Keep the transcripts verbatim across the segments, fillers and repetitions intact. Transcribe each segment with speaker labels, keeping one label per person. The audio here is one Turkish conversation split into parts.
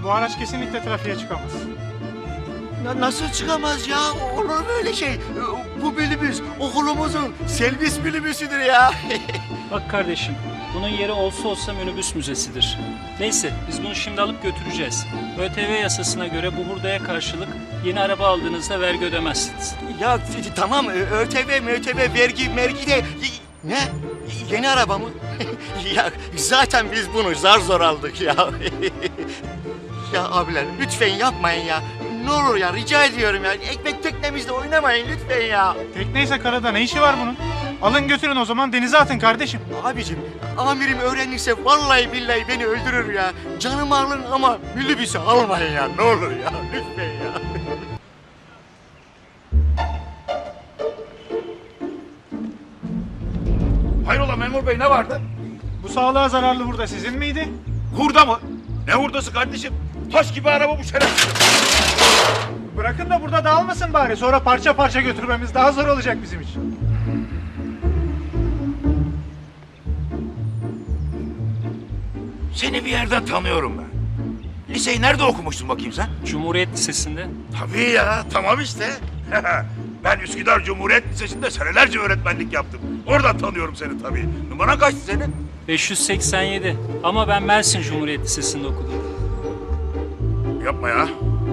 Speaker 1: bu araç kesinlikle trafiğe çıkamaz.
Speaker 2: Na- nasıl çıkamaz ya? Olur mu öyle şey? Bu minibüs okulumuzun servis minibüsüdür ya.
Speaker 3: Bak kardeşim, bunun yeri olsa olsa minibüs müzesidir. Neyse, biz bunu şimdi alıp götüreceğiz. ÖTV yasasına göre bu hurdaya karşılık yeni araba aldığınızda vergi ödemezsiniz.
Speaker 2: Ya t- t- tamam ÖTV, MÖTV, vergi, mergi de... Ne? Yeni araba mı? Ya zaten biz bunu zar zor aldık ya. Ya abiler lütfen yapmayın ya. Ne olur ya rica ediyorum ya. Ekmek teknemizde oynamayın lütfen ya.
Speaker 1: Tekneyse karada ne işi var bunun? Alın götürün o zaman denize atın kardeşim.
Speaker 2: Abicim amirim öğrenirse vallahi billahi beni öldürür ya. Canımı alın ama minibüsü almayın ya. Ne olur ya lütfen ya.
Speaker 4: Hayrola memur bey ne vardı?
Speaker 1: Bu sağlığa zararlı hurda sizin miydi?
Speaker 4: Hurda mı? Ne hurdası kardeşim? Taş gibi araba bu şerefsiz.
Speaker 1: Bırakın da burada dağılmasın bari. Sonra parça parça götürmemiz daha zor olacak bizim için.
Speaker 4: Seni bir yerden tanıyorum ben. Liseyi nerede okumuştun bakayım sen?
Speaker 3: Cumhuriyet Lisesi'nde.
Speaker 4: Tabii ya tamam işte. Ben Üsküdar Cumhuriyet Lisesi'nde senelerce öğretmenlik yaptım. Oradan tanıyorum seni tabii. Numaran kaçtı senin?
Speaker 3: beş yüz seksen yedi. Ama ben Mersin Cumhuriyet Lisesi'nde okudum.
Speaker 4: Yapma ya.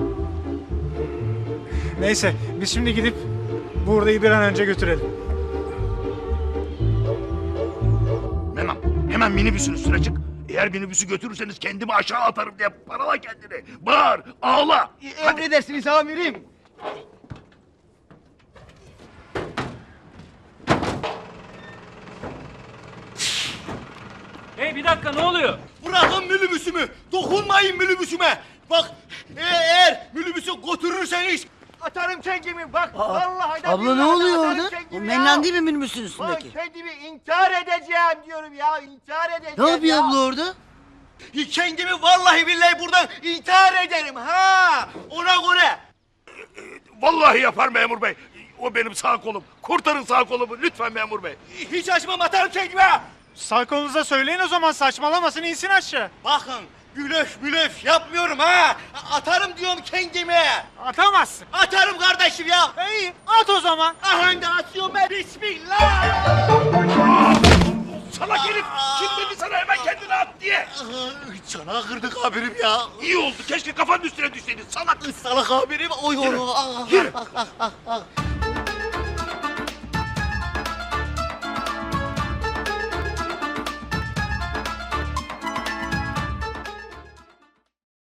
Speaker 1: Neyse biz şimdi gidip bu hurdayı bir an önce götürelim.
Speaker 4: Hemen, hemen minibüsün üstüne çık. Eğer minibüsü götürürseniz kendimi aşağı atarım diye parala kendini. Bağır, ağla. Hadi.
Speaker 2: Emredersiniz amirim.
Speaker 3: Hey bir dakika ne oluyor?
Speaker 2: Bırakın minibüsümü. Dokunmayın minibüsüme. Bak eğer minibüsü götürürseniz atarım kendimi. Bak vallahi da
Speaker 5: Abla ne
Speaker 2: billahi
Speaker 5: oluyor
Speaker 2: atarım
Speaker 5: orada?
Speaker 2: kendimi
Speaker 5: O
Speaker 2: ya.
Speaker 5: menlen değil mi minibüsün
Speaker 2: Bak
Speaker 5: üstündeki?
Speaker 2: kendimi intihar edeceğim diyorum ya. İntihar edeceğim
Speaker 5: Ne yapıyor
Speaker 2: ya.
Speaker 5: abla orada?
Speaker 2: Kendimi vallahi billahi buradan intihar ederim ha. Ona göre.
Speaker 4: Vallahi yapar memur bey. O benim sağ kolum. Kurtarın sağ kolumu lütfen memur bey.
Speaker 2: Hiç açmam atarım kendime.
Speaker 1: Sağ kolunuza söyleyin o zaman saçmalamasın insin aşağı.
Speaker 2: Bakın blöf blöf yapmıyorum ha. Atarım diyorum kendime.
Speaker 1: Atamazsın.
Speaker 2: Atarım kardeşim ya.
Speaker 1: İyi at o zaman.
Speaker 2: Aha da atıyorum ben. Bismillah.
Speaker 4: Salak herif. Kim dedi sana hemen kendini at diye.
Speaker 2: Çanağı kırdık abirim ya.
Speaker 4: İyi oldu. Keşke kafanın üstüne düşseydin salak.
Speaker 2: Salak abirim. Oy oy. oy. Ah,
Speaker 4: Yürü.
Speaker 2: ah, ah, ah, ah.